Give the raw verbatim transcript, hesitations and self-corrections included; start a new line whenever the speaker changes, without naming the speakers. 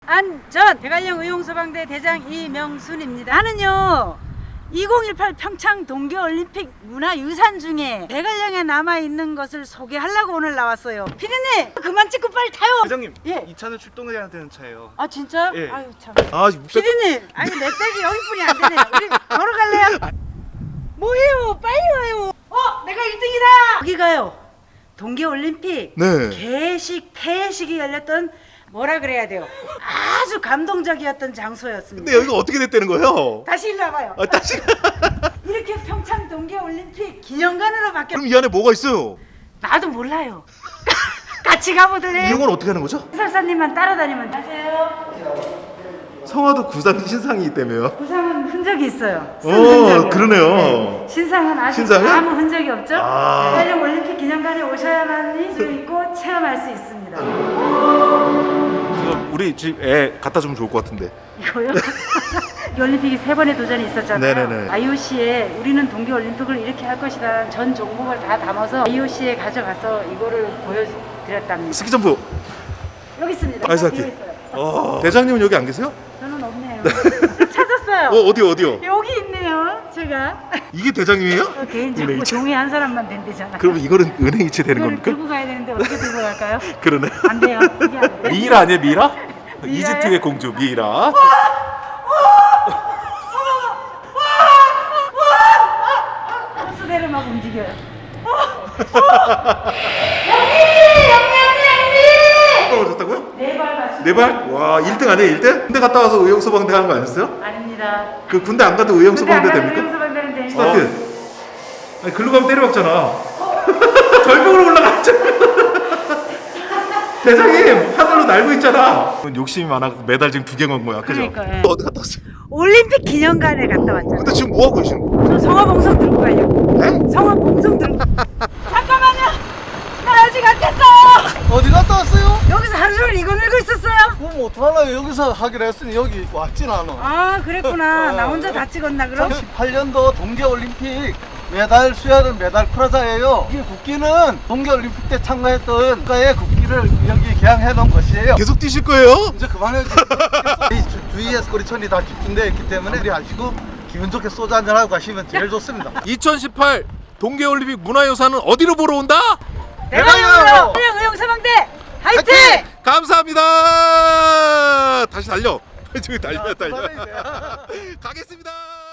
안전 대관령 의용소방대 대장 이명순입니다. 나는요 이천십팔 평창 동계올림픽 문화유산 중에 대관령에 남아있는 것을 소개하려고 오늘 나왔어요. 피디님 그만 찍고 빨리 타요.
대장님,
예.
이 차는 출동해야 되는 차예요.
아 진짜?
예.
아유 참.
아,
피디님 아니 내 백이 여기뿐이 안 되네요. 우리 걸어갈래요? 뭐해요? 빨리 와요. 어 내가 일 등이다. 여기 가요. 동계올림픽
네.
개식 폐식이 열렸던 뭐라 그래야 돼요? 아주 감동적이었던 장소였습니다.
근데 여기가 어떻게 됐다는 거예요?
다시 일로 와봐요.
아, 다시.
이렇게 평창 동계올림픽 기념관으로 바뀌었.
그럼 이 안에 뭐가 있어요?
나도 몰라요. 같이 가보들래요?
이용은 어떻게 하는 거죠?
해설사님만 따라다니면 되세요.
성화도 구상 신상이기 때문에요.
부상은 흔적이 있어요. 쓴
오,
흔적이요.
그러네요.
네. 신상은 아직
신상은?
아무 흔적이 없죠.
아.
대관령 올림픽 기념관에 오셔야만이 재밌고 체험할 수 있습니다.
우리 집 애 갖다 주면 좋을 것 같은데.
이거요? 이 올림픽이 세 번의 도전이 있었잖아요.
네네네.
아이오씨에 우리는 동계올림픽을 이렇게 할 것이다 전 종목을 다 담아서 아이오씨에 가져가서 이거를 보여드렸답니다.
스키점프.
여기 있습니다.
아이스
뒤에
하키.
있어요.
어. 대장님은 여기 안 계세요?
저는 없네요. 찾았어요.
어, 어디요, 어디요?
여기 있네요. 제가
이게 대장님이에요?
어, 개인적으로
은행이체.
종이 한 사람만 된대잖아요.
그럼 이거는 은행이체 되는
이거를
겁니까?
들고 가야 되는데 어떻게 들고 갈까요?
그러네.
안 돼요. 이게 안 돼요.
미이라 아니에요 미이라?
미이라요?
이집트의 공주 미이라.
호수대를 막 움직여요.
떨어졌다고요?
네발 맞습니다.
네 발? 와, 일 등 아니에요, 일 등? 군대 갔다 와서 의용소방대 하는 거 아니었어요?
아닙니다.
그 군대 안 가도
근데 안
의용소방대
가도
됩니까?
의용소방대는 됩니다.
스타트. 아니, 글로 가면 때려박잖아. 절벽으로 올라갔잖아. 대장님, 하늘로 날고 있잖아. 욕심이 많아 메달 지금 두 개 먹은 거야, 그죠?
그러니까, 예.
어디 갔다 왔어요?
올림픽 기념관에 갔다 왔잖아요.
근데 지금 뭐 하고 계시는 거예요?
저 성화봉송 들고 가려고.
네?
성화봉송 들고. 잠깐만요. 나 아직 안 깼어요.
어디 갔다 왔어요?
여기서 하루 종일 이거 밀고 있었어요.
그럼 어떡하려고 여기서 하기로 했으니 여기 왔진 않아.
아 그랬구나. 나 혼자 다 찍었나 그럼?
십팔 년도 동계올림픽 메달 수여는 메달 프라자예요. 이 국기는 동계올림픽 때 참가했던 국가의 국기를 여기 개항해 놓은 것이에요.
계속 뛰실 거예요?
이제 그만해야지. 이 주- 주위에 꼬리천이 다 집중되어 있기 때문에 우리 아시고 기분 좋게 소주 한잔 하고 가시면 제일 좋습니다.
이천십팔 동계올림픽 문화유산은 어디로 보러 온다?
대관령으로 대관령 의용소방대 화이팅!
화이팅!
감사합니다. 다시 달려. 저기 달려, 달려.
그만해야 돼.
가겠습니다.